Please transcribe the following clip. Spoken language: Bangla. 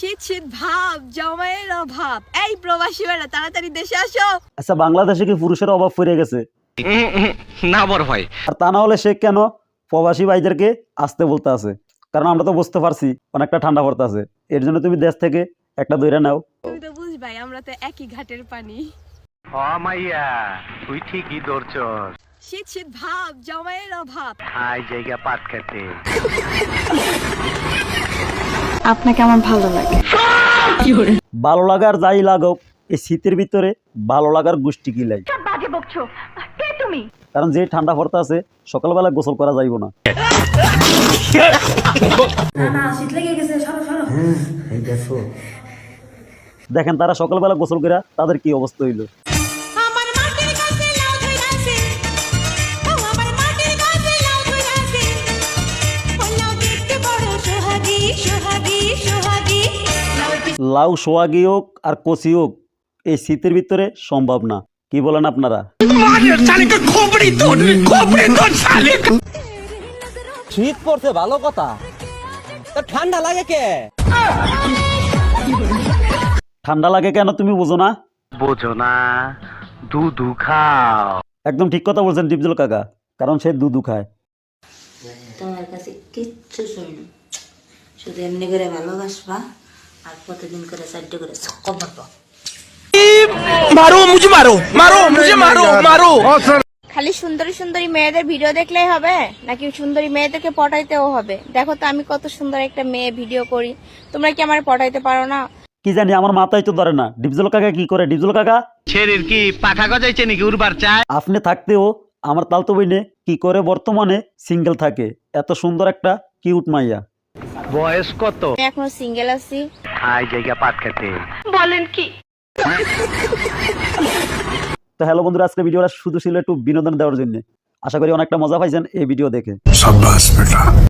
শীত শীত ভাব জমায়ের অভাব, এই প্রবাসী বেড়া তাড়াতাড়ি দেশে আসো। আচ্ছা, বাংলাদেশে কি পুরুষের অভাব পড়ে গেছে? না বড় ভাই, আর তা না হলে সে কেন প্রবাসী ভাইদেরকে আসতে বলতে আছে? কারণ আমরা তো বুঝতে পারছি অনেকটা ঠান্ডা পড়তে আছে, এর জন্য তুমি দেশ থেকে একটা দইরা নাও। তুমি তো বুঝবাই আমরা তো একই ঘাটের পানি। ও মাইয়া তুই ঠিকই ধরছস, শীত শীত ভাব জমায়ের অভাব। আই জায়গা পাট খেতে। আপনাকে আমার ভালো লাগে। ভালো লাগার যাই লাগুক, এই শীতের ভিতরে ভালো লাগার গোষ্ঠী কি লাই? কারণ যে ঠান্ডা পড়তে আছে সকালবেলা গোসল করা যাইব না। দেখেন তারা সকালবেলা গোসল করে তাদের কি অবস্থা হইলো। লাউ সোহাগী হোক আর কচি হোক, এই শীতের ভিতরে সম্ভব না। কি বলেন আপনারা? শীত পড়ছে ভালো কথা, তা ঠান্ডা লাগে কে? ঠান্ডা লাগে কেন তুমি বুঝো না? বোঝো না, দুধু খাও। একদম ঠিক কথা বলছেন ডিপজল কাকা, কারণ সে দুধু খায়। তোমার কাছে কিচ্ছু শুনি না, শুধু এমনি করে ভালোবাসবা আর প্রতিদিন করে 4টে করে ছক্কা মারবা। খালি সুন্দরী সুন্দরী মেয়েদের ভিডিও দেখলেই হবে নাকি সুন্দরী মেয়েদেরকে পটাইতেও হবে? দেখো তো আমি কত সুন্দর একটা মেয়ে ভিডিও করি, তোমরা কি আমার পটাইতে পারো না? কি জানি, আমার মাথায় তো ধরে না ডিপজল কাকা কি করে। ডিপজল কাকা ছেড়ির কি পাখা গজাইছে নাকি উড়বার চায়? আপনি থাকতেও আমার তালতো বইনে কি করে বর্তমানে সিঙ্গেল থাকে? এত সুন্দর একটা কিউট মাইয়া। বয়স কত? আমি এখনো সিঙ্গেল আছি। আই জায়গা পাট খেতে। তো হ্যালো বন্ধুরা, আজকে ভিডিওটা শুধু ছিল একটু বিনোদন দেওয়ার জন্য। আশা করি অনেকটা মজা পাইছেন এই ভিডিও দেখে।